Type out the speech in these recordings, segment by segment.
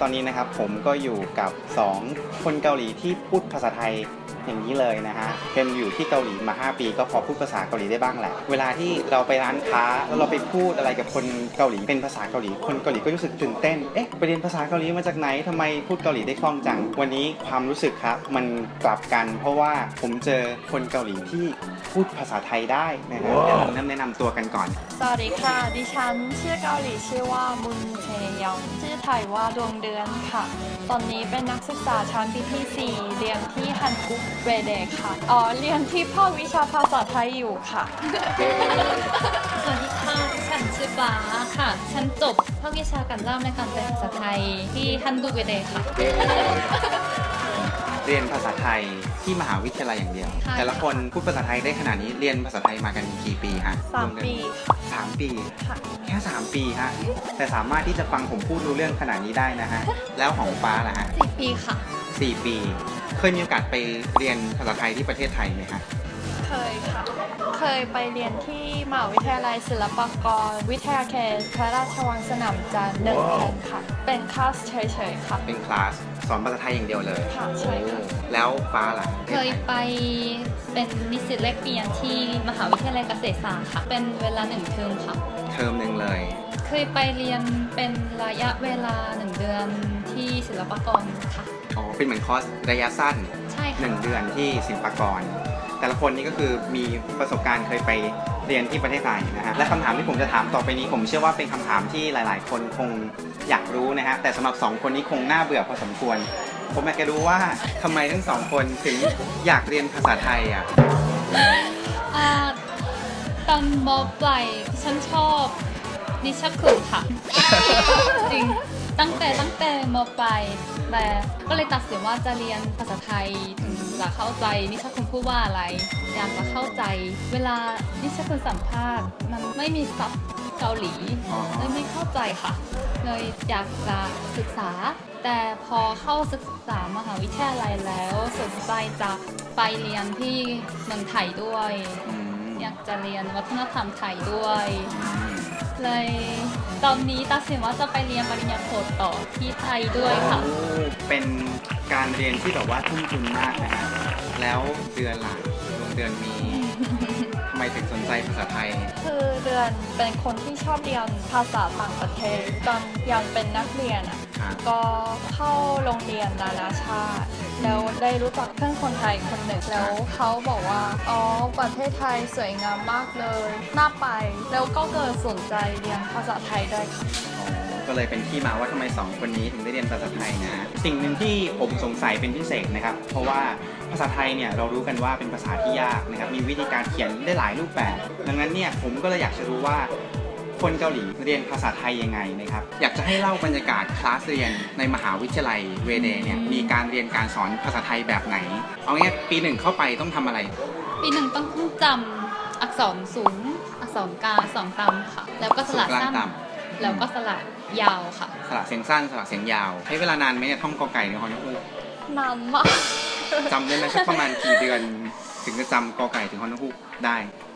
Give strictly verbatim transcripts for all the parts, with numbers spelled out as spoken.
ตอนนี้นะครับผมก็อยู่กับสองคนเกาหลีที่พูดภาษาไทยอย่างนี้เลยนะฮะเป็นอยู่ที่เกาหลีมาห้าปีก็พอพูดภาษาเกาหลีได้บ้างแหละเวลาที่เราไปร้านค้าแล้วเราไปพูดอะไรกับคนเกาหลีเป็นภาษาเกาหลีคนเกาหลีก็รู้สึกตื่นเต้นเอ๊ะไปเรียนภาษาเกาหลีมาจากไหนทำไมพูดเกาหลีได้คล่องจังวันนี้ความรู้สึกครับมันกลับกันเพราะว่าผมเจอคนเกาหลีที่พูดภาษาไทยได้นะฮะเดี๋ยวผมเริ่มแนะนำตัวกันก่อนสวัสดีค่ะดิฉันชื่อเกาหลีชื่อว่ามุนเชยองชื่อไทยว่าดวงเดือนค่ะตอนนี้เป็นนักศึกษาชั้นปีที่สี่เรียนที่ฮันกุกเวเดค่ะอ๋อเรียนที่ภาควิชาภาษาไทยอยู่ค่ะสวัสดีค่ะฉันชื่อฟ้าค่ะฉันจบภาควิชาการเล่าและการแปลภาษาไทยที่ฮันดูเวเดค่ะเรียนภาษาไทยที่มหาวิทยาลัยอย่างเดียวแต่ละคนพูดภาษาไทยได้ขนาดนี้เรียนภาษาไทยมากันกี่ปีฮะสามปีสามปีค่ะแค่สามปีฮะแต่สามารถที่จะฟังผมพูดรู้เรื่องขนาดนี้ได้นะฮะแล้วของฟ้าล่ะฮะสี่ปีค่ะสี่ปีเคยมีโอกาสไปเรียนภาษาไทยที่ประเทศไทยไหมฮะเคยค่ะเคยไปเรียนที่มหาวิทยาลัยศิลปากรวิทยาเขตพระราชวังสนามจันทร์หนึ่งเดือนค่ะเป็นคลาสเฉยๆค่ะเป็นคลาสสอนภาษาไทยอย่างเดียวเลยค่ะใช่ค่ะแล้วฟ้าล่ะเคยไปเป็นนิสิตแลกเปลี่ยนที่มหาวิทยาลัยเกษตรศาสตร์ค่ะเป็นเวลาหนึ่งเทอมค่ะเทอมหนึ่งเลยเคยไปเรียนเป็นระยะเวลาหนึ่งเดือนที่ศิลปากรค่ะอ๋อเป็นเหมือนคอร์สระยะสั้นใช่ค่ะหนึ่งเดือนที่ศิลปากรแต่ละคนนี้ก็คือมีประสบการณ์เคยไปเรียนที่ประเทศไทยนะฮะและคำถามที่ผมจะถามต่อไปนี้ผมเชื่อว่าเป็นคำถามที่หลายๆคนคงอยากรู้นะฮะแต่สำหรับสองคนนี้คงน่าเบื่อพอสมควรผมอยากจะรู้ว่าทำไมทั้งสองคนถึงอยากเรียนภาษาไทยอ่ะตอนม.ปลายฉันชอบนิชคุณค่ะจริงตั้งแต่ตั้งแต่ม.ปลายแต่ก็เลยตัดสินว่าจะเรียนภาษาไทยถึงจะเข้าใจนิชคุณพูดว่าอะไรอยากจะเข้าใจเวลานิชคุณสัมภาษณ์มันไม่มีซับเกาหลีเลยไม่เข้าใจค่ะเลยอยากจะศึกษาแต่พอเข้าศึกษามหาวิทยาลัยแล้วสนใจจะไปเรียนที่เมืองไทยด้วยอยากจะเรียนวัฒนธรรมไทยด้วยเลยตอนนี้ตัดสินว่าจะไปเรียนปริญญาโทต่อที่ไทยด้วยค่ะเป็นการเรียนที่แบบว่าทุ่มทุนมากนะฮะแล้วเดือนหลังดวงเดือนมีทำไมถึงสนใจภาษาไทยคือเดือนเป็นคนที่ชอบเรียนภาษาต่างประเทศตอนยังเป็นนักเรียนอ่ะก็เข้าโรงเรียนนานาชาติแล้วได้รู้จักเพื่อนคนไทยคนหนึ่งแล้วเขาบอกว่าอ๋อประเทศไทยสวยงามมากเลยน่าไปแล้วก็เกิดสนใจเรียนภาษาไทยด้วยค่ะก็เลยเป็นที่มาว่าทำไมสองคนนี้ถึงได้เรียนภาษาไทยนะสิ่งหนึ่งที่ผมสงสัยเป็นพิเศษนะครับเพราะว่าภาษาไทยเนี่ยเรารู้กันว่าเป็นภาษาที่ยากนะครับมีวิธีการเขียนได้หลายรูปแบบดังนั้นเนี่ยผมก็เลยอยากจะรู้ว่าคนเกาหลีเรียนภาษาไทยยังไงนะครับอยากจะให้เล่าบรรยากาศคลาสเรียนในมหาวิทยาลัยเวเดเนี่ยมีการเรียนการสอนภาษาไทยแบบไหนเอางี้ปีหนึ่งเข้าไปต้องทำอะไรปีหนึ่งต้องจำอักษรสูงอักษรกลางอักษรต่ำค่ะแล้วก็สระสั้นแล้วก็สระยาวค่ะสระเสียงสั้นสระเสียงยาวใช้เวลานานไหมเนี่ยท่องกอไก่ในฮอนฮูกนานมากจำได้ไหมสักประมาณกี่เดือนถึงจะจำกอไก่ถึงฮอนฮูกได้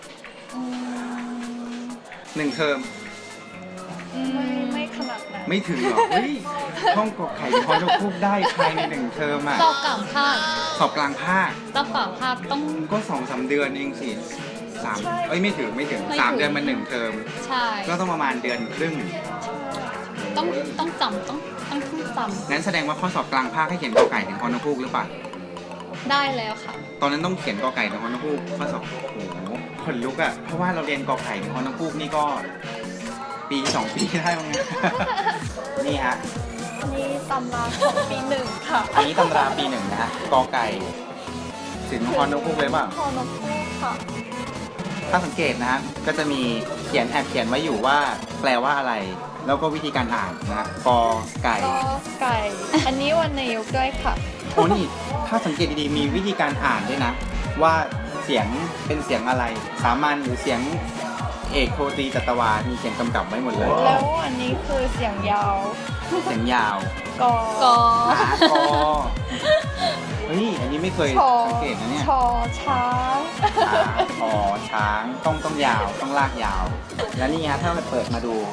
หนึ่งเทอมไม่ไม่ขนาดนั้นไม่ถึงหรอเฮ้ยท่องกอไก่ถึงฮอนฮูกได้ภายในหนึ่งเทอมอ่ะสอบกลางภาคสอบกลางภาคสอบกลางภาคต้องก็สองสามเดือนเองสิสามเอ้ยไม่ถึงไม่ถึงสามเดือนมันหนึ่งเทอมใช่ก็ต้องประมาณเดือนครึ่งต้องต้องจำต้องต้องจำงั้นแสดงว่าข้อสอบกลางภาคให้เขียนกอไก่ถึงฮอนฮูกหรือเปล่าได้แล้วค่ะตอนนั้นต้องเขียนกอไก่ถึงฮอนฮูกข้อสอบโอ้โหขนลุกอ่ะเพราะว่าเราเรียนกอไก่ถึงฮอนฮูกนี่ก็ปีสองปีได้มั้งนี่ฮะอันนี้ตำราของปีหนึ่งค่ะอันนี้ตำราปีหนึ่งนะฮะกอไก่ถึงฮอนฮูกเลยป่ะฮอนฮูกค่ะถ้าสังเกตนะฮะก็จะมีเขียนแอบเขียนไว้อยู่ว่าแปลว่าอะไรแล้วก็วิธีการอ่านนะกอไก่กอไก่อันนี้วันในยุคด้วยค่ะโอ้นี่ถ้าสังเกตดีๆมีวิธีการอ่านด้วยนะว่าเสียงเป็นเสียงอะไรสามัญหรือเสียงเอกโทตรีจัตวามีเสียงกำกับไว้หมดเลยแล้วอันนี้คือเสียงยาวเสียงยาวกอกอกอเฮ้ยอันนี้ไม่เคยสังเกตนะเนี่ยชอช้างอ๋อช้างต้องต้องยาวต้องลากยาวแล้วนี่ฮะถ้าเราเปิดมาดูจ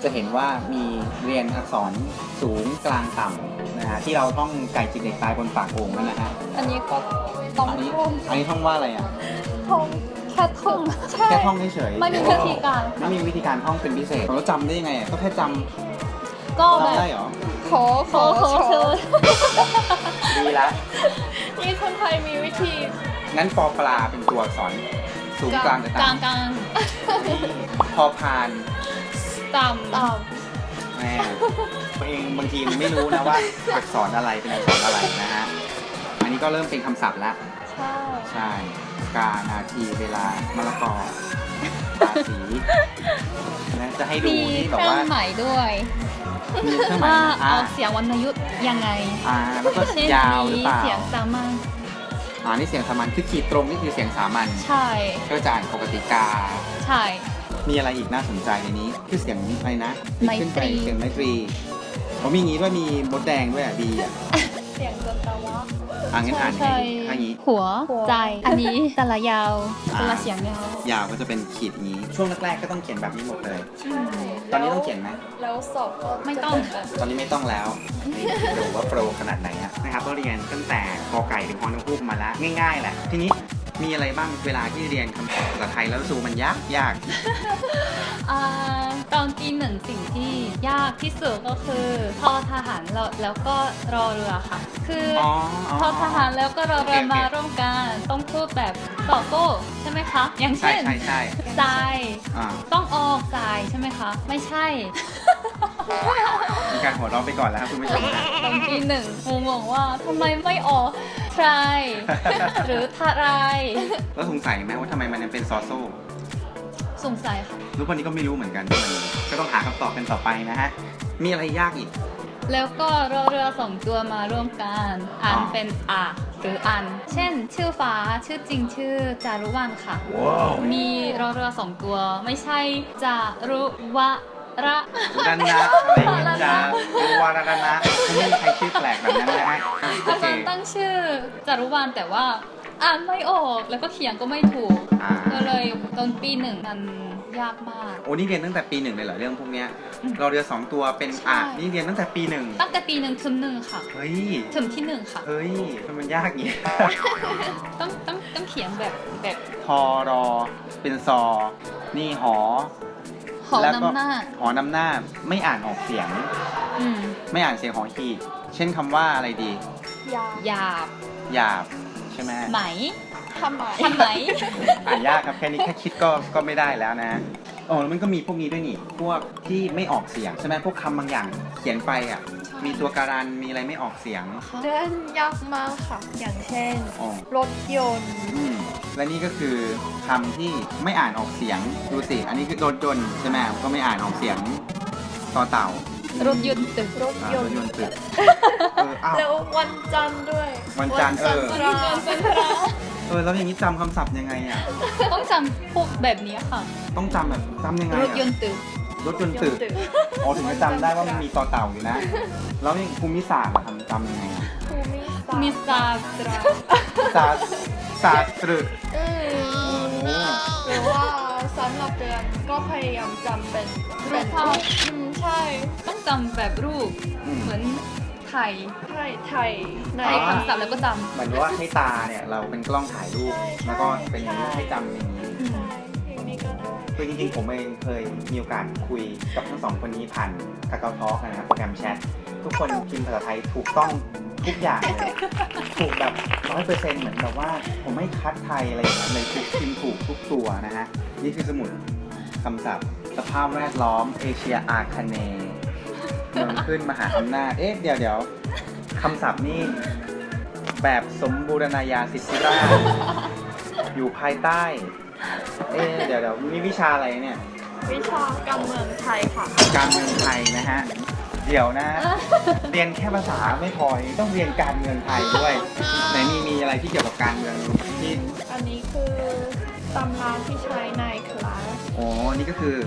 จะเห็นว่ามีเรียนอักษรสูงกลางต่ำนะฮะที่เราท่องไก่จิกเด็กตายบนปากโอ่งนั่นนะฮะอันนี้ก็ต้องอันนี้ท่องอันนี้ท่องว่าอะไรอ่ะท่องแค่ท่องใช่แค่ท่องเฉยๆไม่มีวิธีการไม่มีวิธีการท่องเป็นพิเศษเราจำได้ยังไงอะก็แค่จำก็แบบจำได้เหรอขอขอขอเชิญดีละนี่คนไทยมีวิธีงั้นปอปลาเป็นตัวอักษรสูงกลางกับกลางต่ำกลางพอพานต่ำตามแม่ตัวเองบางทีมันไม่รู้นะว่าอักษรอะไรเป็นอักษรอะไรนะฮะ อันนี้ก็เริ่มเป็นคำศัพท์แล้วใช่ใช่ กานาทีเวลามะละกอราศีนะจะให้ดูมีที่เคแบบรื่องว่าหมายด้วยมีเครื่องหมายว่าอ่าออกเสียงวรรณยุกต์ยังไงอ่าแล้วก็เช่นยาวหรือมีเปล่าเสียงสามัญอ่านี่เสียงสามัญคือขีดตรงนี่คือเสียงสามัญใช่ก็จะอ่านปกติกาใช่มีอะไรอีกน่าสนใจในนี้คือเสียงอะไรนะไมตรีขึ้นไปเสียงไมตรีเขามีงี้ด้วยมีมดแดงด้วยอ่ะดีอ่ะเสียงจนตะวะอ่างั้นอ่านให้ใช่ถ้างี้หัวหัวใจ อันนี้แต่ละยาวอ่าแต่ละเสียงยาวยาวก็จะเป็นขีดอย่างนี้ ช่วงแรกๆก็ต้องเขียนแบบนี้หมดเลย ตอนนี้ต้องเขียนไหมแล้วสอบก็ไม่ต้องจะเป็นแบบตอนนี้ไม่ต้องแล้วนี่ดูว่าโปรขนาดไหนอะนะครับก็เรียนตั้งแต่กอไก่ถึงฮอนกฮูกมาแล้วง่ายๆแหละ ทีนี้มีอะไรบ้างเวลาที่เรียนคำศัพท์ภาษาไทยแล้วรู้สึกว่ามันยากยากอ่าตอนปีหนึ่งสิ่งที่ยากที่สุดก็คือทอทหารแล้วแล้วก็รอเรือค่ะ คือออ๋อทอทหารแล้วก็รอเรือโอเคโอเคมาร่วมกันต้องพูดแบบตอบโต้ใช่ไหมคะ อย่างใช่เช่นใช่ใช่ทรายอ่าต้องออกทรายใช่ไหมคะ ไม่ใช่มีการหัวเราะไปก่อนแล้วครับคุณผู้ชมนะตอนปีหนึ่งงงๆว่าทำไมไม่ออกทรายหรือทารายแล้วสงสัยไหมว่าทำไมมันยังเป็นซอโซ่สงสัยค่ะรู้วันนี้ก็ไม่รู้เหมือนกันวันนี้ก็ต้องหาคำตอบกันต่อไปนะฮะมีอะไรยากอีกแล้วก็รอเรือสองตัวมาร่วมกันอ่านอ๋อเป็นอะหรืออัน เช่น ชื่อฟ้าชื่อจริงชื่อจารุวรรณค่ะ มีรอเรือสองตัวไม่ใช่จารุวะระดันนะอะไรอย่างเงี้ยจะเป็นวาระนะไม่มีใครชื่อแปลกแบบนั้นนะฮะโออาเคจารย์ตั้งชื่อจารุวรรณแต่ว่าอ่านไม่ออกแล้วก็เขียนก็ไม่ถูกอ่าก็เลยตอนปีหนึ่งมันยากมากโอ้นี่เรียนตั้งแต่ปีหนึ่งเลยเหรอเรื่องพวกเนี้ยอืมเราเรียนสองตัวเป็นใช่อ่ะนี่เรียนตั้งแต่ปีหนึ่งตั้งแต่ปีหนึ่งถึงหนึ่งค่ะเฮ้ยถึงที่หนึ่งค่ะเฮ้ยทำไมมันยากอย่างงี้ต้องต้องต้องเขียนแบบแบบทอรอเป็นซอ นี่หอหอแล้วก็นำหน้าหอนำหน้าไม่อ่านออกเสียงอืมไม่อ่านเสียงหอหีบเช่นคำว่าอะไรดียาหยาบหยาบใช่ไหมไหมทำไมทำไหมอ่านยากครับแค่นี้แค่คิดก็ก็ไม่ได้แล้วนะโอ้แล้วมันก็มีพวกนี้ด้วยนี่พวกที่ไม่ออกเสียงใช่ไหมพวกคำบางอย่างเขียนไปอ่ะมีตัวการันมีอะไรไม่ออกเสียงเดินยากมากค่ะ อย่างเช่นอ๋อรถยนต์อืมและนี่ก็คือคำที่ไม่อ่านออกเสียงดูสิอันนี้คือรถยนต์ใช่ไหมก็ไม่อ่านออกเสียงต่อเต่ารถยนต์ตึกรถอ่าย รนถต์ยนต์ตึกเอออ้าวแล้ววันจันทร์ด้วยวันจันทร์เออวันจันทร์เป็นพระเออแล้วอย่างนี้จำคำศัพท์ยังไงอ่ะต้องจำพวกแบบนี้ค่ะต้องจำแบบจำยังไงรถยนอ่ะต์ตึกรถยนต์ตึกอ๋อถึงจะจำได้ว่ามันมีต่อเต่าอยู่นะ แล้วอย่างภูมิศาสตร์อะทำจำยังไงอ่ะภูมิศาสตร์มีซาตราศาสตร์ศาสตร์ตรึอืมโอ้หรือว่าสำหรับเดือนก็พยายามจำเป็นเป็นรูปอืมใช่ต้องจำแบบรูปอืมเหมือนไทยไทยไทยในในคำศัพท์แล้วก็จเหมือนว่าให้ตาเนี่ยเราเป็นกล้องถ่ายรูป แล้วก็เป็นให้จำอย่างนี้ำใช่อย่างนี้ก็ได้คือจริงๆผมเองเคยมีโอกาสคุยกับทั้งสองคนนี้ผ่านกาเกาทอล์กนะครับโปรแกรมแชททุกคนพิมพ์ภาษาไทยถูกต้องทุกอย่างเลยถูกแบบร้อยเปอร์เซ็นต์เหมือนแบบว่าผมไม่คัดไทยอะไรอย่างเงี้ยเลยคือพิมพ์ถูกทุกตัวนะฮะนี่คือสมุดคำศัพท์สภาพแวดล้อมเอเชียอาคเนย์เมืองขึ้นมหาอำนาจเอ๊ะเดี๋ยวเดี๋ยวคำศัพท์นี่แบบสมบูรณาญาสิทธิราชย์อยู่ภายใต้ เอ๊ะเดี๋ยวเดี๋ยวมีวิชาอะไรเนี่ยวิชาการเมืองไทยค่ะการเมืองไทยนะฮะ เดี๋ยวนะ เรียนแค่ภาษาไม่พอต้องเรียนการเมืองไทยด้วยไหนมีมีอะไรที่เกี่ยวกับการเมืองที่อันนี้คือตำราที่ใช้ในคลาสอ๋อนี่ก็คือ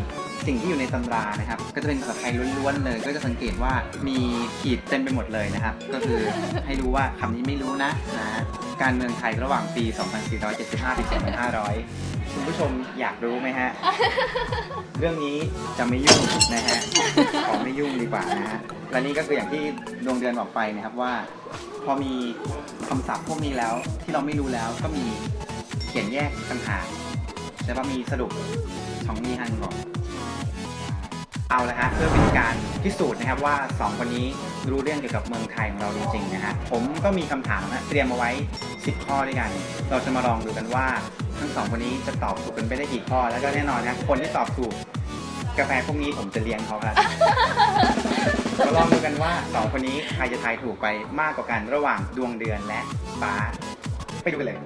สิ่งที่อยู่ในตำรานะครับ ก็จะเป็นภาษาไทยล้วนๆเลย ก็จะสังเกตว่ามีขีดเต็มไปหมดเลยนะครับ ก็คือให้รู้ว่าคำนี้ไม่รู้นะนะ การเมืองไทยระหว่างปี สองพันสี่ร้อยเจ็ดสิบห้า ถึง สองพันห้าร้อย คุณผู้ชมอยากรู้ไหมฮะ เรื่องนี้จะไม่ยุ่งนะฮะ ขอไม่ยุ่งดีกว่านะฮะ และนี่ก็คืออย่างที่ดวงเดือนบอกไปนะครับว่า พอมีคำศัพท์พวกนี้แล้วที่เราไม่รู้แล้วก็มีเขียนแยกต่างหากแต่ว่ามีสรุปของมีฮันบอกเอาละฮะเพื่อเป็นการพิสูจน์นะครับว่าสองคนนี้รู้เรื่องเกี่ยวกับเมืองไทยของเราจริงๆนะฮะผมก็มีคำถามนะเตรียมมาไว้สิบข้อด้วยกัน เราจะมาลองดูกันว่าทั้งสองคนนี้จะตอบถูกกันไปได้กี่ข้อแล้วก็แน่นอนนะคนที่ตอบถูกกาแฟพวกนี้ผมจะเลี้ยงเขาครับ มาลองดูกันว่าสองคนนี้ใครจะทายถูกไปมากกว่ากันระหว่างดวงเดือนและฟ้าไปดูกันเลย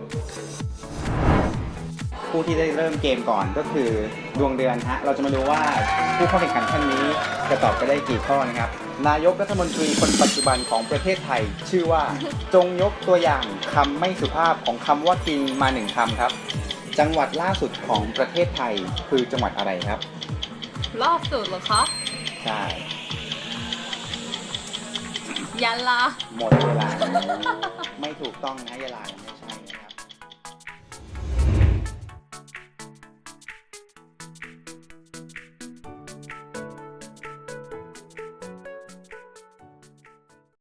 ผู้ที่ได้เริ่มเกมก่อนก็คือดวงเดือนฮะเราจะมาดูว่าผู้เข้าแข่งขันท่านนี้จะตอบไปได้กี่ข้อนะครับนายกรัฐมนตรีคนปัจจุบันของประเทศไทย ชื่อว่าจงยกตัวอย่างคำไม่สุภาพของคำว่ากินมาหนึ่งคำครับจังหวัดล่าสุดของประเทศไทยคือจังหวัดอะไรครับล่าสุดเหรอคะใช่ยะลาหมดเวลา ไม่ถูกต้องนะยะลา